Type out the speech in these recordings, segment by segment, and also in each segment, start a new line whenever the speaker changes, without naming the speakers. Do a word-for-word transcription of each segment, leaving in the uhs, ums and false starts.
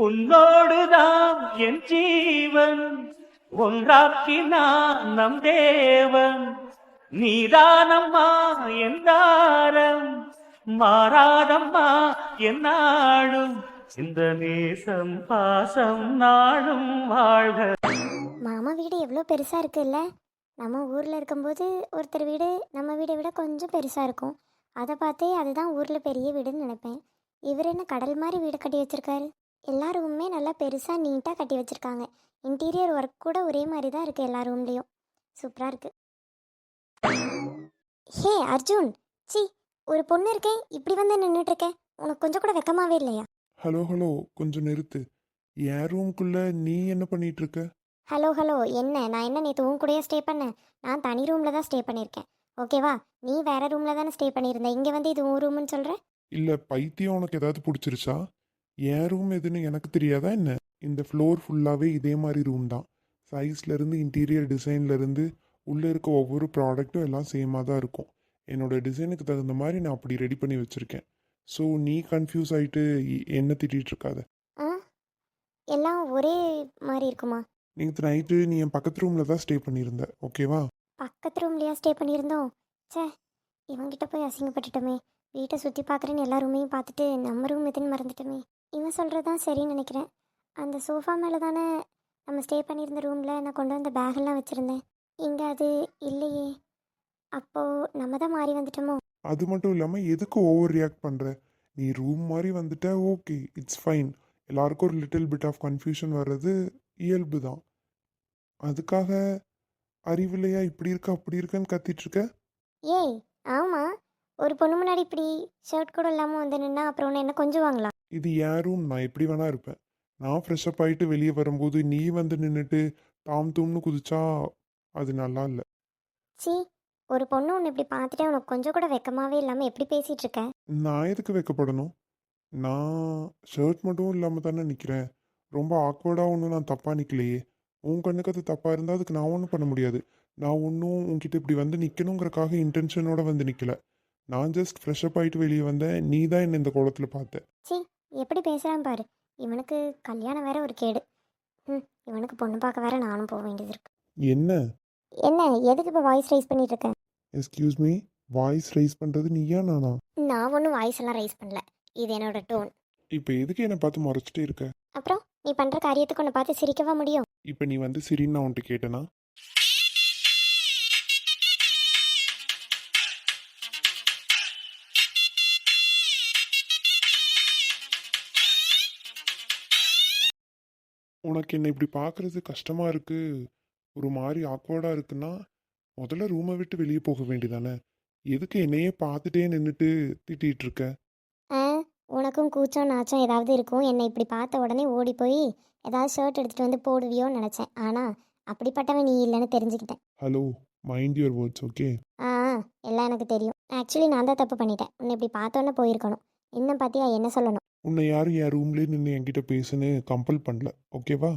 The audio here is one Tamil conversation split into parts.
உன்னோடுதான் என் ஜீவன் ஒன்றாக்கினான் நம் தேவன். நீதானம்மா என் தாரம் மாறாதம்மா என் நாடும் இந்த நேசம் பாசம் நாடும் வாழ்க.
மாமா வீடு எவ்வளோ பெருசாக இருக்குல்ல. நம்ம ஊரில் இருக்கும்போது ஒருத்தர் வீடு நம்ம வீடை விட கொஞ்சம் பெருசாக இருக்கும். அதை பார்த்தே அதுதான் ஊரில் பெரிய வீடுன்னு நினைப்பேன். இவர் என்ன கடல் மாதிரி வீடு கட்டி வச்சுருக்காரு. எல்லா ரூமுமே நல்லா பெருசாக நீட்டாக கட்டி வச்சுருக்காங்க. இன்டீரியர் ஒர்க் கூட ஒரே மாதிரி தான் இருக்குது எல்லா ரூம்லேயும். சூப்பராக இருக்குது. ஹே அர்ஜுன், சி ஒரு பொண்ணு இருக்கேன் இப்படி வந்து நின்றுட்டுருக்கேன். உனக்கு கொஞ்சம் கூட வெக்கமாவே இல்லையா?
ஹலோ ஹலோ கொஞ்சம் நிறுத்து. என் ரூம்குள்ளே நீ என்ன பண்ணிட்டு இருக்க?
ஹலோ ஹலோ என்ன, நான் என்ன நேற்று உன் கூடயே ஸ்டே பண்ணேன்? நான் தனி ரூமில் தான் ஸ்டே பண்ணியிருக்கேன், ஓகேவா? நீ வேறு ரூமில் தானே ஸ்டே பண்ணியிருந்தேன். இங்கே வந்து இது உன் ரூம்னு சொல்கிற?
இல்லை பைத்தியம், உனக்கு ஏதாவது பிடிச்சிருச்சா? என் ரூம் எதுன்னு எனக்கு தெரியாதா என்ன? இந்த ஃப்ளோர் ஃபுல்லாகவே இதே மாதிரி ரூம் தான். சைஸ்லேருந்து இன்டீரியர் டிசைன்லேருந்து உள்ளே இருக்க ஒவ்வொரு ப்ராடக்ட்டும் எல்லாம் சேமாக தான் இருக்கும். என்னோடய டிசைனுக்கு தகுந்த மாதிரி நான் அப்படி ரெடி பண்ணி வச்சுருக்கேன். ஸோ நீ கன்ஃபியூஸ் ஆகிட்டு என்ன திட்டிகிட்டு இருக்காத.
ஆ, எல்லாம் ஒரே மாதிரி இருக்குமா?
நேற்று நைட்டு நீ என் பக்கத்து ரூமில் தான் ஸ்டே பண்ணியிருந்த, ஓகேவா?
பக்கத்து ரூம்லையா ஸ்டே பண்ணியிருந்தோம்? சே, இவங்கிட்ட போய் அசிங்கப்பட்டுட்டோமே. வீட்டை சுற்றி பார்க்குறேன்னு எல்லா ரூமையும் பார்த்துட்டு நம்ம ரூம் எதுன்னு மறந்துட்டோமே. இவன் சொல்கிறது தான் சரின்னு நினைக்கிறேன். அந்த சோஃபா மேலே தானே நம்ம ஸ்டே பண்ணியிருந்த ரூமில் நான் கொண்டு வந்த பேகெல்லாம் வச்சுருந்தேன். இங்கே அது இல்லையே. அப்போது நம்ம தான் மாறி வந்துட்டோமோ?
அது மட்டும் இல்லாமல் எதுக்கு ஓவர் ரியாக்ட் பண்ணுற? நீ ரூம் மாதிரி வந்துட்ட, ஓகே, இட்ஸ் ஃபைன். எல்லாருக்கும் ஒரு லிட்டில் பிட் ஆஃப் கன்ஃபியூஷன் வர்றது இயல்பு தான். அதுக்காக அறிவில்லையா இப்படி இருக்க அப்படி இருக்கன்னு கத்திட்டு இருக்க?
ஏய் ஆமாம், ஒரு பொண்ணு முன்னாடி இப்படி ஷர்ட் கூட இல்லாமல் வந்து நின்னா அப்புறம் ஒன்று என்ன கொஞ்சம் வாங்கலாம்?
இது என் ரூம், நான் எப்படி வேணா இருப்பேன். நான் ஃப்ரெஷ்அப் ஆகிட்டு வெளியே வரும்போது நீ வந்து நின்றுட்டு தாம் தூம்னு குதிச்சா அது நல்லா இல்லை.
சி, ஒரு பொண்ணு ஒன்று இப்படி பார்த்துட்டே உனக்கு கொஞ்சம் கூட வெக்கமாவே இல்லாமல் எப்படி பேசிகிட்டு இருக்க?
நான் எதுக்கு வைக்கப்படணும்? நான் ஷர்ட் மட்டும் இல்லாமல் தானே நிற்கிறேன். ரொம்ப ஆக்வர்டாக ஒன்றும் நான் தப்பாக நிற்கலையே. உன் கண்ணுக்கு அது தப்பாக இருந்தால் அதுக்கு நான் ஒன்றும் பண்ண முடியாது. நான் ஒன்றும் உன்கிட்ட இப்படி வந்து நிற்கணுங்கிறக்காக இன்டென்ஷனோட வந்து நிற்கல. நான் ஜஸ்ட் ஃப்ரெஷ்அப் ஆகிட்டு வெளியே வந்தேன். நீ தான் என்னை இந்த குளத்தில் பார்த்த.
சி, எப்படி பேசுகிறான் பாரு. இவனுக்கு கல்யாணம் வேற ஒரு கேடு. ம், இவனுக்கு பொண்ணு பார்க்க வேற நானும் போக வேண்டியது இருக்கு.
என்ன
என்ன, எதுக்கு இப்போ வாய்ஸ் ரைஸ் பண்ணிட்டு இருக்கேன்?
எஸ்கியூஸ் மீ, வாய்ஸ் ரைஸ் பண்ணுறது நீயா நானா?
நான் ஒன்றும் வாய்ஸ் எல்லாம் ரைஸ் பண்ணல, இது என்னோட டோன்.
இப்போ எதுக்கு என்னை பார்த்து முறைச்சிட்டே இருக்க?
அப்புறம் நீ பண்ணுற காரியத்துக்கு உன்னை பார்த்து சிரிக்கவா முடியும்?
இப்போ நீ வந்து சிரின்னு நான் உன்ட்டு கேட்டேனா? உனக்கு என்ன இப்படி பார்க்குறது கஷ்டமாக இருக்குது, ஒரு மாதிரி ஆக்வர்டாக இருக்குன்னா முதல்ல ரூமை விட்டு வெளியே போக வேண்டியதானே? எதுக்கு என்னையே பார்த்துட்டே நின்றுட்டு திட்டிகிட்டு இருக்க?
ஆ, உனக்கும் கூச்சம் நாச்சம் ஏதாவது இருக்கும். என்னை இப்படி பார்த்த உடனே ஓடி போய் ஏதாவது ஷர்ட் எடுத்துகிட்டு வந்து போடுவியோன்னு நினச்சேன். ஆனால் அப்படிப்பட்டவன் நீ இல்லைன்னு தெரிஞ்சுக்கிட்டேன்.
Hello, mind your words, okay?
ஆ, எல்லாம் எனக்கு தெரியும். ஆக்சுவலி நான் தான் தப்பு பண்ணிட்டேன். உன்னை இப்படி பார்த்தோன்னே போயிருக்கணும். இன்னும் பார்த்தியா என்ன சொல்லணும்?
உன்னை யாரும் என் ரூம்லேயே நின்று என்கிட்ட பேசுன்னு கம்பல் பண்ணல, ஓகேவா?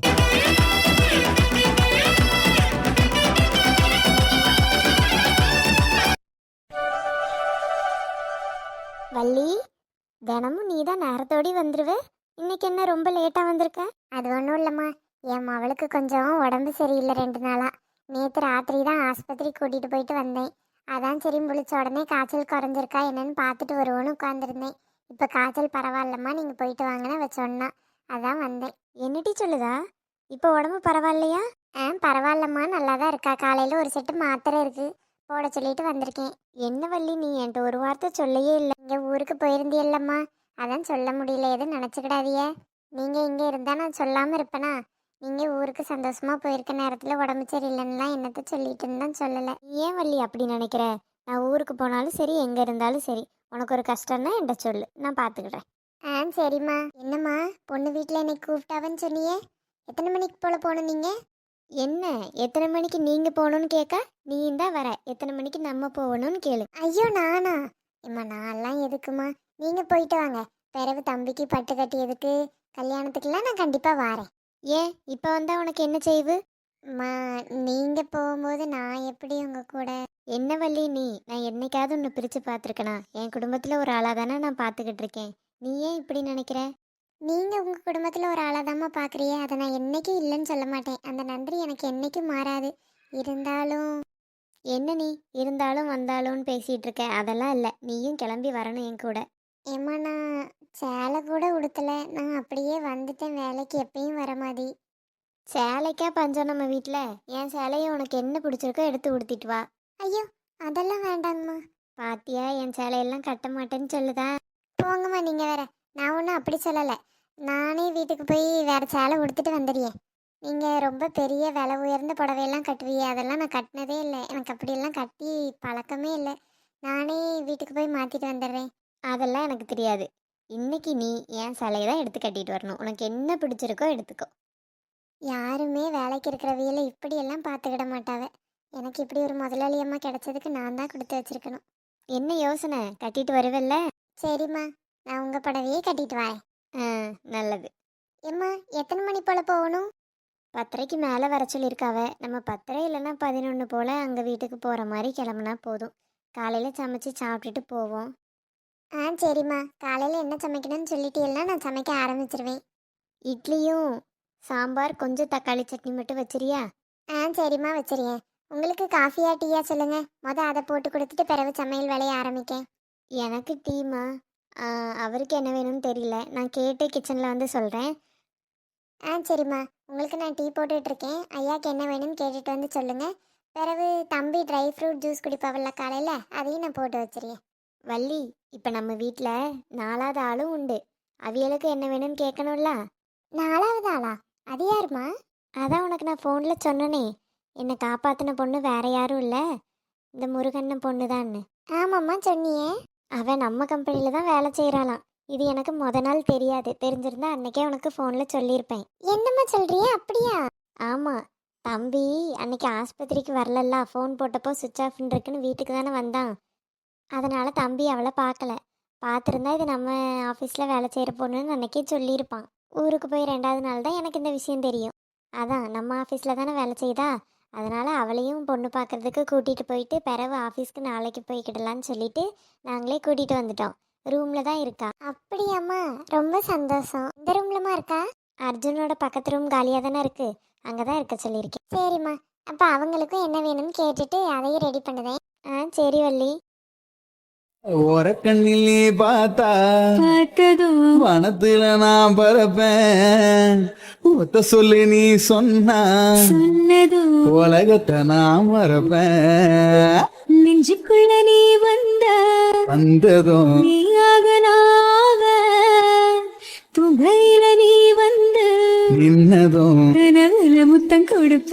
வள்ளி, தினமும் நீ தான் நேரத்தோடி வந்துடுவே. இன்னைக்கு என்ன ரொம்ப லேட்டாக வந்திருக்க? அது ஒன்றும் இல்லைம்மா, என் மவளுக்கு கொஞ்சம் உடம்பு சரியில்லை ரெண்டு நாளாக. நேற்று ராத்திரி தான் ஆஸ்பத்திரி கூட்டிகிட்டு போயிட்டு வந்தேன். அதான் சரி முழிச்ச உடனே காய்ச்சல் குறைஞ்சிருக்கா என்னன்னு பார்த்துட்டு வருவோன்னு உட்காந்துருந்தேன். இப்போ காய்ச்சல் பரவாயில்லம்மா, நீங்கள் போயிட்டு வாங்கினா வ சொன்னா அதான் வந்தேன். என்னட்டி சொல்லுதா? இப்போ உடம்பு பரவாயில்லையா? ஆ பரவாயில்லம்மா, நல்லா தான் இருக்கா. காலையில் ஒரு செட்டு மாத்திரை இருக்குது, போட சொல்லிட்டு வந்திருக்கேன். என்ன வள்ளி, நீ என்கிட்ட ஒரு வார்த்தை சொல்லையே இல்லை. இங்கே ஊருக்கு போயிருந்தியல்லம்மா, அதான் சொல்ல முடியல. எதுவும் நினச்சிக்கிடாதிய. நீங்கள் இங்கே இருந்தால் நான் சொல்லாமல் இருப்பேனா? நீங்கள் ஊருக்கு சந்தோஷமாக போயிருக்க நேரத்தில் உடம்பு சரியில்லைன்னுலாம் என்னத்தை சொல்லிட்டு இருந்தான் சொல்லலை. ஏன் வள்ளி அப்படி நினைக்கிற? நான் ஊருக்கு போனாலும் சரி, எங்கே இருந்தாலும் சரி, உனக்கு ஒரு கஷ்டம்னா என்கிட்ட சொல்லு, நான் பார்த்துக்கிட்டேன். ஆ சரிம்மா. என்னம்மா, பொண்ணு வீட்டில் என்னை கூப்பிட்டாவன்னு சொன்னியே, எத்தனை மணிக்கு போல் போகணும் நீங்கள்? என்ன எத்தனை மணிக்கு நீங்கள் போகணுன்னு கேட்க, நீ தான் வர எத்தனை மணிக்கு நம்ம போகணும்னு கேளு. ஐயோ நானா? இம்மா நான்லாம் எதுக்குமா, நீங்கள் போயிட்டு வாங்க. பிறகு தம்பிக்கு பட்டு கட்டி எதுக்கு, கல்யாணத்துக்குலாம் நான் கண்டிப்பாக வரேன். ஏன் இப்போ வந்தால் உனக்கு என்ன செய்வு? அம்மா நீங்கள் போகும்போது நான் எப்படி உங்கள் கூட? என்ன வள்ளி நீ, நான் என்னைக்காவது ஒன்று பிரித்து பார்த்துருக்கேனா? என் குடும்பத்தில் ஒரு ஆளாக தானே நான் பார்த்துக்கிட்டு இருக்கேன். நீ ஏன் இப்படி நினைக்கிற? நீங்க உங்க குடும்பத்துல ஒரு ஆளாதாம்மா பாக்குறீங்க. அதை நான் என்னைக்கும் இல்லைன்னு சொல்ல மாட்டேன். அந்த நன்றி எனக்கு என்னைக்கும் மாறாது. இருந்தாலும் என்ன நீ இருந்தாலும் வந்தாலும்னு பேசிட்டு இருக்க? அதெல்லாம் இல்லை, நீயும் கிளம்பி வரணும் என் கூட. ஏம்மா நான் சேலை கூட உடுத்தல, நான் அப்படியே வந்துட்டேன் வேலைக்கு எப்பயும் வர மாதிரி. சேலைக்கா பஞ்சம் நம்ம வீட்டில்? என் சேலையை உனக்கு என்ன பிடிச்சிருக்கோ எடுத்து உடுத்திட்டு வா. ஐயோ அதெல்லாம் வேண்டாங்கம்மா. பாத்தியா என் சேலையெல்லாம் கட்ட மாட்டேன்னு சொல்லுதா. போங்கம்மா நீங்க வேற. நான் ஒன்றும் அப்படி சொல்லலை. நானே வீட்டுக்கு போய் வேற சேலை உடுத்துட்டு வந்துடுறேன். நீங்க ரொம்ப பெரிய விலை உயர்ந்த புடவையெல்லாம் கட்டுவீங்க, அதெல்லாம் நான் கட்டினதே இல்லை. எனக்கு அப்படியெல்லாம் கட்டி பழக்கமே இல்லை. நானே வீட்டுக்கு போய் மாத்திட்டு வந்துடுறேன். அதெல்லாம் எனக்கு தெரியாது. இன்னைக்கு நீ என் சேலையை தான் எடுத்து கட்டிட்டு வரணும். உனக்கு என்ன பிடிச்சிருக்கோ எடுத்துக்கோ. யாருமே வேலைக்கு இருக்கிறவியல இப்படியெல்லாம் பார்த்துக்கிட மாட்டாவ. எனக்கு இப்படி ஒரு முதலாளி அம்மா கிடைச்சதுக்கு நான் தான் கொடுத்து வச்சிருக்கணும். என்ன யோசனை? கட்டிட்டு வருவல்ல? சரிம்மா, நான் உங்கள் புடவையே கட்டிட்டு வரேன். ஆ நல்லது. எம்மா எத்தனை மணி போல் போகணும்? பத்தரைக்கு மேலே வர சொல்லியிருக்காவ. நம்ம பத்தரை இல்லைன்னா பதினொன்று போல் அங்கே வீட்டுக்கு போகிற மாதிரி கிளம்புனா போதும். காலையில் சமைச்சு சாப்பிட்டுட்டு போவோம். ஆ சரிம்மா, காலையில் என்ன சமைக்கணும்னு சொல்லிட்டீங்கன்னா நான் சமைக்க ஆரம்பிச்சிருவேன். இட்லியும் சாம்பார் கொஞ்சம் தக்காளி சட்னி மட்டும் வச்சிரியா? ஆ சரிம்மா வச்சிருக்கேன். உங்களுக்கு காஃபியா டீயா சொல்லுங்க. மொதல் அதை போட்டு கொடுத்துட்டு பிறகு சமையல் வேலையை ஆரம்பிக்கேன். எனக்கு டீமா? அவருக்கு என்ன வேணும்னு தெரியல, நான் கேட்டு கிச்சனில் வந்து சொல்கிறேன். ஆ சரிம்மா, உங்களுக்கு நான் டீ போட்டுட்ருக்கேன். ஐயாக்கு என்ன வேணும்னு கேட்டுட்டு வந்து சொல்லுங்கள். பிறகு தம்பி ட்ரை ஃப்ரூட் ஜூஸ் குடிப்பாவில்ல காலையில், அதையும் நான் போட்டு வச்சிருக்கேன். வள்ளி, இப்போ நம்ம வீட்டில் நாலாவது ஆளும் உண்டு. அவியலுக்கு என்ன வேணும்னு கேட்கணும்ல. நாலாவது ஆளா? அது யாருமா? அதான் உனக்கு நான் ஃபோனில் சொன்னனே, என்னை காப்பாற்றின பொண்ணு வேற யாரும் இல்லை, இந்த முருகண்ணன் பொண்ணு தான்னு. ஆமாம்மா சொன்னியே. அவன் நம்ம கம்பெனியில் தான் வேலை செய்கிறாளாம். இது எனக்கு முத நாள் தெரியாது. தெரிஞ்சிருந்தா அன்னைக்கே உனக்கு ஃபோனில் சொல்லியிருப்பேன். என்னம்மா சொல்கிறிய? அப்படியா? ஆமாம், தம்பி அன்னைக்கு ஆஸ்பத்திரிக்கு வரலல்ல, ஃபோன் போட்டப்போ சுவிட்ச் ஆஃப்னு இருக்குன்னு வீட்டுக்கு தானே வந்தான். அதனால் தம்பி அவளை பார்க்கல. பார்த்துருந்தா இது நம்ம ஆஃபீஸில் வேலை செய்கிற பொண்ணுன்னு அன்னைக்கே சொல்லியிருப்பான். ஊருக்கு போய் ரெண்டாவது நாள் தான் எனக்கு இந்த விஷயம் தெரியும். அதான் நம்ம ஆஃபீஸில் தானே வேலை செய்தா, அதனால் அவளையும் பொண்ணு பார்க்குறதுக்கு கூட்டிகிட்டு போயிட்டு பிறகு ஆஃபீஸ்க்கு நாளைக்கு போய்க்கிடலான்னு சொல்லிட்டு நாங்களே கூட்டிகிட்டு வந்துட்டோம். ரூமில் தான் இருக்கா. அப்படியாம்மா, ரொம்ப சந்தோஷம். இந்த ரூம்லமா இருக்கா? அர்ஜுனோட பக்கத்து ரூம் காலியாக தானே இருக்குது, அங்கே தான் இருக்க சொல்லியிருக்கேன். சரிம்மா, அப்போ அவங்களுக்கும் என்ன வேணும்னு கேட்டுட்டு அதையும் ரெடி பண்ணுதேன். ஆ சரி வள்ளி.
ஓரக்கண்ணில் நீ பார்த்தா
பார்த்ததும்
வனத்துல நான் பறப்பேன். ஒத்த சொல்லி நீ சொன்னா
சொன்னதும்
உலகத்தை நான் மறப்பேன்.
நெஞ்சுக்குள்ள நீ வந்த
வந்ததும்
நீயாக நாக துகையில நீ வந்து
நின்னதும்
கனவுல முத்தம் கொடுப்ப.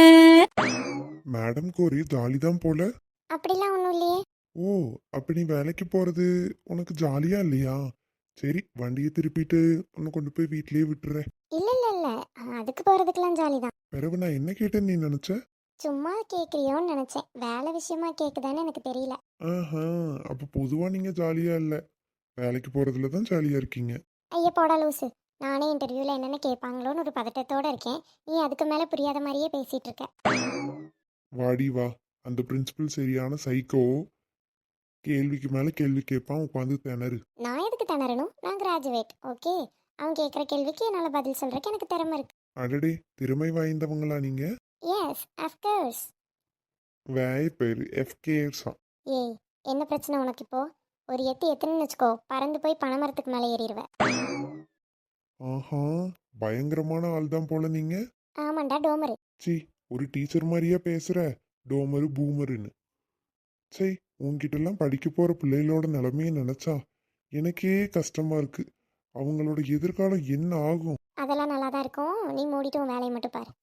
மேடம்க்கு ஒரே ஜாலி தான் போல.
அப்படிலாம் ஒன்றும் இல்லையே.
ஓ, அப்ப நீ வேலைக்கு போறது உனக்கு ஜாலியா இல்லையா? சரி, வண்டியை திருப்பிட்டு உன்னை கொண்டு போய் வீட்லயே விட்டுறேன்.
இல்லை இல்லை இல்லை, அதுக்கு போகிறதுக்கெல்லாம் ஜாலி தான்.
பிறகு நான் என்ன கேட்டேன்னு நீ நினைச்ச?
சும்மா கேட்குறியோன்னு நினச்சேன். வேலை விஷயமா கேட்குதான்னு எனக்கு தெரியல.
ஆஹா, அப்ப பொதுவா நீங்க ஜாலியா இல்ல, வேலைக்கு போறதுல தான் ஜாலியா இருக்கீங்க.
ஐயா போடா லூசு. நானே இன்டர்வியூவில் என்னென்ன கேட்பாங்களோன்னு ஒரு பதட்டத்தோடு இருக்கேன். நீ அதுக்கு மேலே புரியாத மாதிரியே பேசிகிட்டு இருக்க.
வாடி வா, அந்த பிரின்சிபல் சரியான சைக்கோ. கேள்விக்கு மேல கேள்வி கேட்பான், உட்காந்து திணறு.
நான் எதுக்கு திணறணும்? நான் கிராஜுவேட். ஓகே, அவன் கேட்குற கேள்விக்கு என்னால் பதில் சொல்கிறக்கு எனக்கு திறமை இருக்கு.
அடடே, திறமை வாய்ந்தவங்களா நீங்க?
Yes of course.
வேய பேரு எஃப்கேஎஸ்ஸா.
ஏய், என்ன பிரச்சனை உனக்கு இப்போ? ஒரு எத்து எத்துன்னு வச்சுக்கோ, பறந்து போய் பனைமரத்துக்கு மேலே ஏறிடுவேன்.
ஆஹா, பயங்கரமான ஆள் தான் போல நீங்க.
ஆமாண்டா டோமரு.
சி, ஒரு டீச்சர் மாதிரியா பேசுற? டோமரு பூமருன்னு. சரி, உன்கிட்டலாம் படிக்க போற பிள்ளைகளோட நிலைமையை நினைச்சா எனக்கே கஷ்டமா இருக்கு. அவங்களோட எதிர்காலம் என்ன ஆகும்?
அதெல்லாம் நல்லா தான் இருக்கும். நீ மூடிட்டு உன் வேலையை மட்டும் பாரு.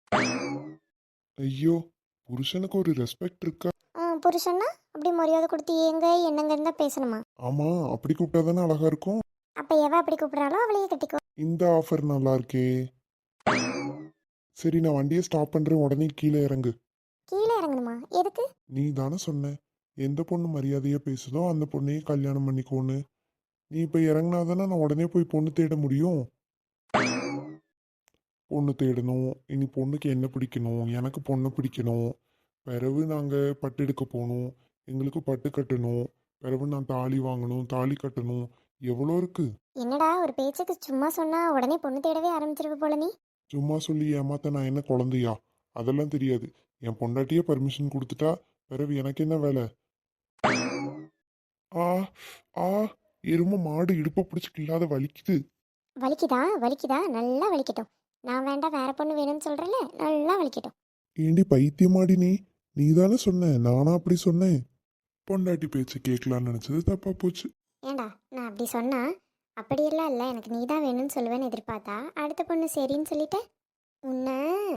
ஐயோ, புருஷனுக்கு ஒரு ரெஸ்பெக்ட் இருக்கா?
ஆ புருஷன்னா அப்படி மரியாதை கொடுத்து ஏங்க என்னங்கன்னு தான் பேசணுமா?
ஆமா, அப்படி கூப்பிட்டா தானே அழகா இருக்கும்.
அப்போ எவ அப்படி கூப்பிட்றாலோ அவளையே கட்டிக்கோ.
இந்த ஆஃபர் நல்லா இருக்கே. சரி, நான் வண்டியை ஸ்டாப் பண்றேன், உடனே கீழே இறங்கு.
கீழே இறங்கணுமா? எதுக்கு?
நீ தானே சொன்ன எந்த பொண்ணு மரியாதையா பேசுதோ அந்த பொண்ணையே கல்யாணம் பண்ணிக்கோன்னு. நீ இப்போ இறங்கினாதானே நான் உடனே போய் பொண்ணு தேட முடியும். பொண்ணு தேடணும், இனி பொண்ணுக்கு என்ன பிடிக்கணும், எனக்கு பொண்ணு பிடிக்கணும். பிறகு நாங்கள் பட்டு எடுக்க போகணும், எங்களுக்கு பட்டு கட்டணும். பிறகு நான் தாலி வாங்கணும், தாலி கட்டணும். எவ்வளோ இருக்கு?
என்னடா ஒரு பேச்சுக்கு சும்மா சொன்னா உடனே பொண்ணு தேடவே ஆரம்பிச்சிருக்க போல நீ.
சும்மா சொல்லி ஏமாத்த நான் என்ன குழந்தையா? அதெல்லாம் தெரியாது. என் பொண்டாட்டியே பர்மிஷன் கொடுத்துட்டா பிறகு எனக்கு என்ன வேலை? ஆ ஆ எரும மாடு இடுப்பை பிடிச்சி கில்லாத வலிக்குது.
வலிக்குதா வலிக்குதா நல்லா வலிக்கட்டும். நான் வேண்டாம் வேற பொண்ணு வேணும்னு சொல்றேன்ல, நல்லா வலிக்கட்டும்.
ஏண்டி பைத்தியமாடி நீ? நீ தானே சொன்ன, நானா அப்படி சொன்னேன்? பொண்டாட்டி பேச்சு கேட்கலான்னு நினைச்சது தப்பா போச்சு.
ஏண்டா நான் அப்படி சொன்னா அப்படியெல்லாம் இல்லை, எனக்கு நீ தான் வேணும்னு சொல்லுவேன்னு எதிர்பார்த்தா அடுத்த பொண்ணு சரின்னு சொல்லிட்டேன் உன்ன.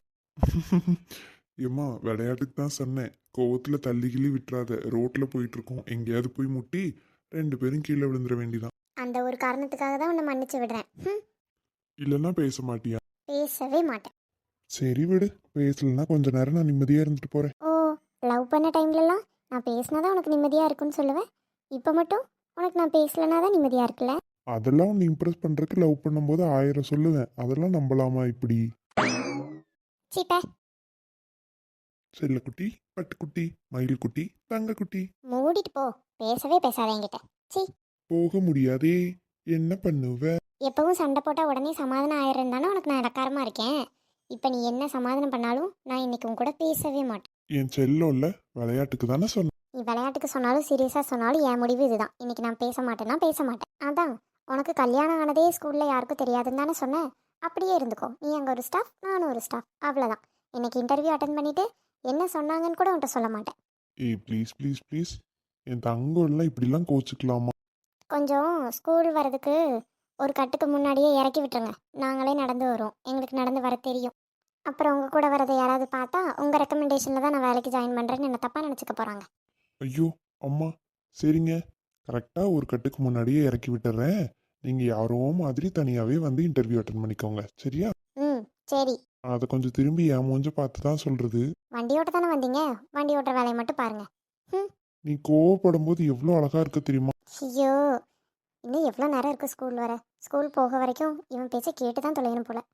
ஏம்மா விளையாட்டுக்கு தான் சொன்னேன். கோவத்துல தள்ளி கிள்ளி விட்டுறாத. ரோட்ல போயிட்டு இருக்கோம், எங்கேயாவது போய் முட்டி ரெண்டு பேரும் கீழே விழுந்துட வேண்டிதான்.
அந்த ஒரு காரணத்துக்காக தான் உன்னை மன்னிச்சு விடுறேன். ம்,
இல்லைன்னா பேச மாட்டியா?
பேசவே மாட்டேன்.
சரி விடு, பேசலன்னா கொஞ்ச நேரம் நான் நிம்மதியா இருந்துட்டு போறேன்.
ஓ, லவ் பண்ண டைம்லலாம் நான் பேசினாதான் உனக்கு நிம்மதியாக இருக்குன்னு சொல்லுவேன். இப்போ மட்டும் உனக்கு நான் பேசலனா தான் நிம்மதியாக இருக்குல்ல.
அதெல்லாம் உன்னை இம்ப்ரெஸ் பண்றதுக்கு லவ் பண்ணும்போது ஆயிரம் சொல்லுவேன். அதெல்லாம் நம்பலாமா இப்படி?
சீப்ப
செல்லக்குட்டி, பட்டுக்குட்டி, மயில்குட்டி, தங்கக்குட்டி.
மூடிட்டு போ, பேசவே பேசாத என்கிட்ட. சீ,
போக முடியாதே, என்ன பண்ணுவ?
எப்பவும் சண்டை போட்டால் உடனே சமாதானம் ஆயிடுறேன் தானே உனக்கு நான் இடக்காரமாக இருக்கேன். இப்போ நீ என்ன சமாதானம் பண்ணாலும் நான் இன்னைக்கு உன் கூட பேசவே மாட்டேன்.
என் செல்லோல்ல, விளையாட்டுக்கு தானே சொன்னேன்.
நீ விளையாட்டுக்கு சொன்னாலும் சீரியஸாக சொன்னாலும் என் முடிவு இதுதான். இன்னைக்கு நான் பேச மாட்டேன்னா பேச மாட்டேன். அதான் உனக்கு கல்யாணம் ஆனதே ஸ்கூலில் யாருக்கும் தெரியாதுன்னு தானே சொன்னேன். அப்படியே இருந்துக்கோ. நீ அங்கே ஒரு ஸ்டாஃப், நானும் ஒரு ஸ்டாஃப், அவ்வளோதான். இன்னைக்கு இன்டர்வியூ அட்டன் பண்ணிவிட்டு என்ன சொன்னாங்கன்னு கூட உன்கிட்ட சொல்ல மாட்டேன்.
ஏய் ப்ளீஸ் ப்ளீஸ் ப்ளீஸ், என் தங்கம் எல்லாம் இப்படிலாம் கோச்சிக்கலாமா?
கொஞ்சம் ஸ்கூல் வரதுக்கு ஒரு கட்டுக்கு முன்னாடியே இறக்கி விட்டுருங்க. நாங்களே நடந்து வரோம், எங்களுக்கு நடந்து வர தெரியும். அப்புறம் உங்கள் கூட வரதை யாராவது பார்த்தா உங்கள் ரெக்கமெண்டேஷனில் தான் நான் வேலைக்கு ஜாயின் பண்ணுறேன்னு என்ன தப்பாக நினச்சிக்க போகிறாங்க.
ஐயோ அம்மா, சரிங்க, கரெக்டாக ஒரு கட்டுக்கு முன்னாடியே இறக்கி விட்டுறேன். நீங்கள் யாரோ மாதிரி தனியாகவே வந்து இன்டர்வியூ அட்டன் பண்ணிக்கோங்க, சரியா?
ம், சரி.
அதை கொஞ்சம் திரும்பி என் மூஞ்ச பார்த்து தான் சொல்கிறது.
வண்டி ஓட்ட தானே வந்தீங்க, வண்டி ஓட்டுற வேலையை மட்டும் பாருங்க. ம்,
நீ கோவப்படும் போது எவ்வளோ அழகா இருக்க தெரியுமா?
ஐயோ, இன்னும் எவ்வளோ நேரம் இருக்குது ஸ்கூல் வர. ஸ்கூல் போக வரைக்கும் இவன் பேச்சை கேட்டு தான் தொலையணும் போல.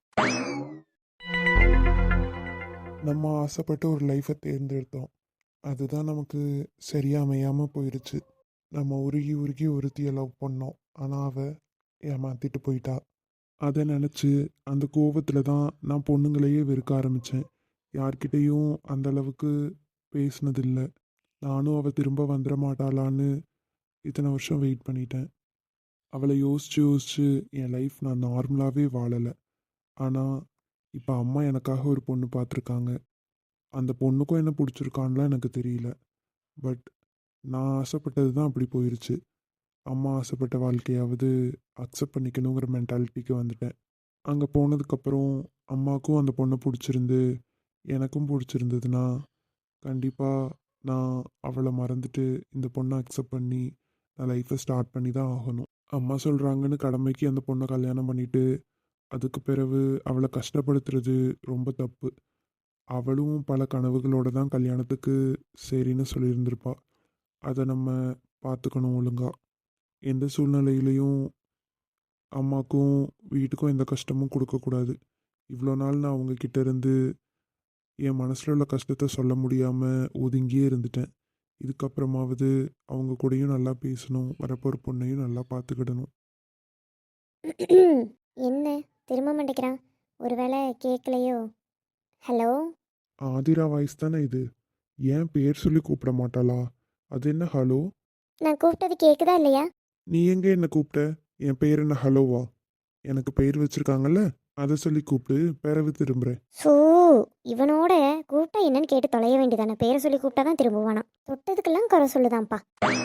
நம்ம ஆசைப்பட்டு ஒரு லைஃப்பை தேர்ந்தெடுத்தோம், அதுதான் நமக்கு சரியா அமையாமல் போயிடுச்சு. நம்ம உருகி உருகி ஒருத்தியை லவ் பண்ணோம், ஆனால் அவள் ஏமாத்திட்டு போயிட்டா. அதை நினச்சி அந்த கோபத்தில் தான் நான் பொண்ணுங்களையே வெறுக்க ஆரம்பித்தேன். யார்கிட்டேயும் அந்த அளவுக்கு பேசினதில்லை. நானும் அவள் திரும்ப வந்துட மாட்டாளான்னு இத்தனை வருஷம் வெயிட் பண்ணிட்டேன். அவளை யோசித்து யோசித்து என் லைஃப் நான் நார்மலாகவே வாழலை. ஆனால் இப்போ அம்மா எனக்காக ஒரு பொண்ணு பார்த்துருக்காங்க. அந்த பொண்ணுக்கும் என்ன பிடிச்சிருக்கான்லாம் எனக்கு தெரியல. பட் நான் ஆசைப்பட்டது தான் அப்படி போயிடுச்சு. அம்மா ஆசைப்பட்ட வாழ்க்கையாவது அக்செப்ட் பண்ணிக்கணுங்கிற மென்டாலிட்டிக்கு வந்துட்டேன். அங்கே போனதுக்கப்புறம் அம்மாவுக்கும் அந்த பொண்ணை பிடிச்சிருந்து எனக்கும் பிடிச்சிருந்ததுன்னா கண்டிப்பாக நான் அவளை மறந்துட்டு இந்த பொண்ணை அக்செப்ட் பண்ணி நான் லைஃப்பை ஸ்டார்ட் பண்ணி தான் ஆகணும். அம்மா சொல்கிறாங்கன்னு கடமைக்கு அந்த பொண்ணை கல்யாணம் பண்ணிவிட்டு அதுக்கு பிறகு அவளை கஷ்டப்படுத்துறது ரொம்ப தப்பு. அவளும் பல கனவுகளோடு தான் கல்யாணத்துக்கு சரின்னு சொல்லியிருந்திருப்பா. அதை நம்ம பார்த்துக்கணும் ஒழுங்கா. எந்த சூழ்நிலையிலையும் அம்மாக்கும் வீட்டுக்கும் எந்த கஷ்டமும் கொடுக்கக்கூடாது. இவ்வளோ நாள் நான் அவங்கக்கிட்ட இருந்து என் மனசில் உள்ள கஷ்டத்தை சொல்ல முடியாமல் ஒதுங்கியே இருந்துட்டேன். இதுக்கப்புறமாவது அவங்க கூடயும் நல்லா பேசணும், வரப்போகிற பொண்ணையும் நல்லா பார்த்துக்கிடணும்.
என்ன திரும்ப மாட்டேங்கிறான், ஒருவேளை கேட்கலையோ? ஹலோ,
ஆதிரா வாய்ஸ் தானே இது? ஏன் பேர் சொல்லி கூப்பிட மாட்டாளா? அது என்ன ஹலோ?
நான் கூப்பிட்டது கேட்குதா இல்லையா?
நீ எங்கே என்ன கூப்பிட்ட? என் பேர் என்ன ஹலோவா? எனக்கு பெயர் வச்சிருக்காங்கல்ல, அதை சொல்லி கூப்பிட்டு பிறகு திரும்புகிறேன்.
ஸோ இவனோட கூப்பிட்டா என்னன்னு கேட்டு தொலைய வேண்டியதானே. பேரை சொல்லி கூப்பிட்டா தான் திரும்புவானா. தொட்டதுக்கெல்லாம் குறை சொல்லுதான்ப்பா.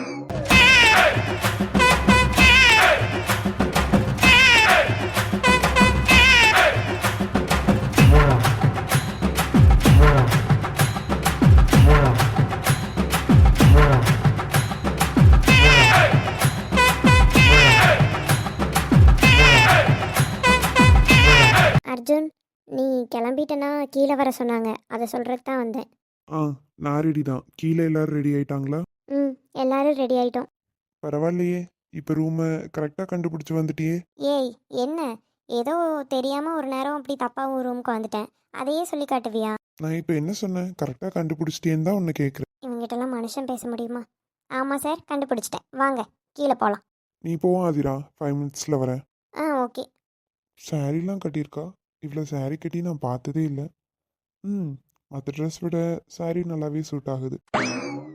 அர்ஜுன், நீ கிளம்பிட்டனா கீழே வர சொன்னாங்க, அதை சொல்கிறதுக்கு தான் வந்தேன்.
ஆ, நான் ரெடி தான். கீழே எல்லாரும் ரெடி ஆயிட்டாங்களா?
ம், எல்லாரும் ரெடி ஆயிட்டோம்.
பரவாயில்லையே, இப்போ ரூமை கரெக்டாக கண்டுபிடிச்சி வந்துட்டியே.
ஏய் என்ன, ஏதோ தெரியாமல் ஒரு நேரம் அப்படி தப்பாக ஒரு ரூமுக்கு வந்துட்டேன், அதையே சொல்லி காட்டுவியா?
நான் இப்போ என்ன சொன்னேன்? கரெக்டாக கண்டுபிடிச்சிட்டேன்னு தான் உன்னை கேட்குறேன்.
இவங்ககிட்டலாம் மனுஷன் பேச முடியுமா? ஆமாம் சார், கண்டுபிடிச்சிட்டேன், வாங்க கீழே போகலாம்.
நீ போவா ஆதிரா, ஃபைவ் மினிட்ஸில் வரேன்.
ஆ ஓகே.
சாரீலாம் கட்டியிருக்கா, இவ்வளோ saree கட்டி நான் பார்த்ததே இல்லை. ம் மற்ற ட்ரெஸ் விட saree நல்லாவே சூட் ஆகுது.